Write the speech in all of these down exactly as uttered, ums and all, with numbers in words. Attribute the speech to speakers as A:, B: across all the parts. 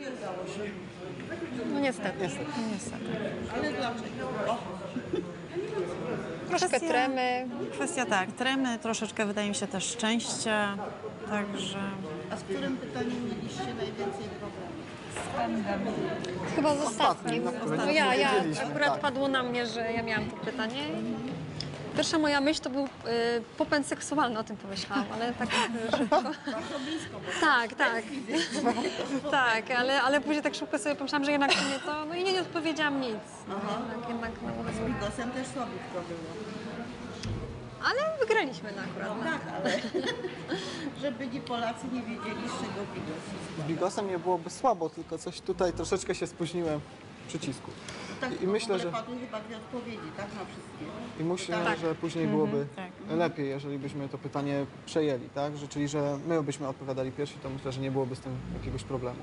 A: No niestety.
B: Niestety.
A: niestety.
C: Ale dlaczego?
A: Troszkę
B: Kwestia-
A: tremy.
B: Kwestia tak, tremy, troszeczkę wydaje mi się też szczęścia, także
C: A z którym pytaniem mieliście najwięcej problemów?
A: Chyba z ostatnim.
D: na którym
A: No ja, ja
D: odpowiedzieliśmy,
A: akurat
D: tak.
A: padło na mnie, że ja miałam to pytanie. Pierwsza moja myśl to był y, popęd seksualny, o tym pomyślałam, ale tak szybko.
C: Bardzo blisko, bo
A: Tak, tak. tak, ale, ale później tak szybko sobie pomyślałam, że jednak to nie to, no i nie, nie odpowiedziałam nic. No, jednak, jednak, no,
C: z Bigosem też słabiutko było.
A: ale wygraliśmy no, akurat. No.
C: Tak, ale żeby nie Polacy nie wiedzieli, z czego Bigos jest.
D: Z Bigosem nie byłoby słabo, tylko coś tutaj troszeczkę się spóźniłem w przycisku.
C: Tak,
D: I myślę, że
C: padły chyba dwie odpowiedzi, tak, na wszystkie.
D: i myślę,
C: Tak.
D: że później byłoby
B: tak.
D: lepiej, jeżeli byśmy to pytanie przejęli, tak? Że, czyli, że my byśmy odpowiadali pierwsi, to myślę, że nie byłoby z tym jakiegoś problemu.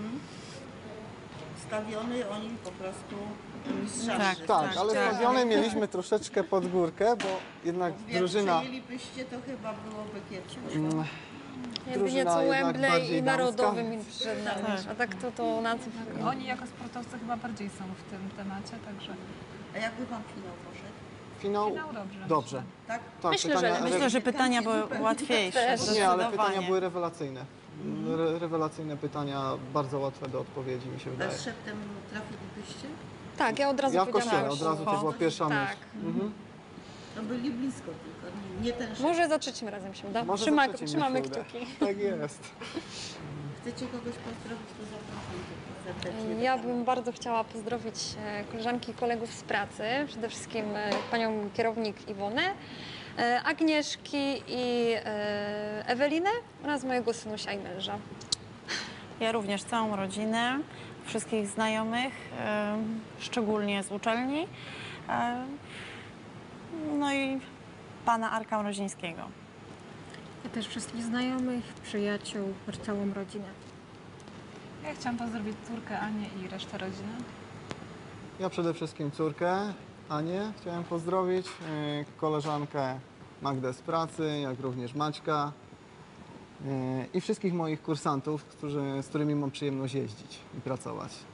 C: Stawiony oni po prostu mistrzarzy.
B: Tak,
D: Tak,
B: Tak,
D: ale
B: tak.
D: stawione mieliśmy troszeczkę pod górkę, bo jednak
C: Jak
D: drużyna...
C: przejęlibyście, to chyba byłoby kiepsko.
D: Mm,
A: Jedynie
D: drużyna
A: co
D: jednak
A: Wembley
D: bardziej
A: i
D: damska.
A: narodowym mi przyszedł na myśl. A tak to, to na co...
E: Oni jako sportowcy chyba bardziej są w tym temacie, także
C: A jakby wam finał poszedł?
D: Finał
E: finał dobrze.
D: dobrze.
C: Tak?
D: Tak,
A: Myślę, że-
D: pytania,
B: myślę, że pytania były łatwiejsze.
A: Też.
D: Nie, ale pytania
B: zdecydowanie.
D: były rewelacyjne. Re rewelacyjne pytania, bardzo łatwe do odpowiedzi, mi się
C: A
D: wydaje.
C: z szeptem trafilibyście?
A: Tak, ja od razu
D: Ja w kościele,
A: powiedziałam.
D: od razu to była pierwsza
A: Tak.
D: myśl. Mhm.
C: No byli blisko tylko, nie ten szep.
A: Może za trzecim razem się uda.
D: Może
A: Trzyma,
D: za trzecim
A: trzymamy
D: mi się uda.
A: kciuki.
D: Tak jest.
C: Chcecie kogoś pozdrowić, to zapraszam tylko serdecznie.
A: Ja bym bardzo chciała pozdrowić e, koleżanki i kolegów z pracy, przede wszystkim e, panią kierownik Iwonę, e, Agnieszki i e, Ewelinę oraz mojego synusia i męża.
B: Ja również całą rodzinę, wszystkich znajomych, e, szczególnie z uczelni, e, no i pana Arka Mrozińskiego.
F: Ja też wszystkich znajomych, przyjaciół, całą rodzinę.
E: Ja chciałam pozdrowić córkę Anię i resztę rodziny.
D: Ja przede wszystkim córkę, Anię, chciałem pozdrowić, yy, koleżankę Magdę z pracy, jak również Maćka yy, i wszystkich moich kursantów, którzy, z którymi mam przyjemność jeździć i pracować.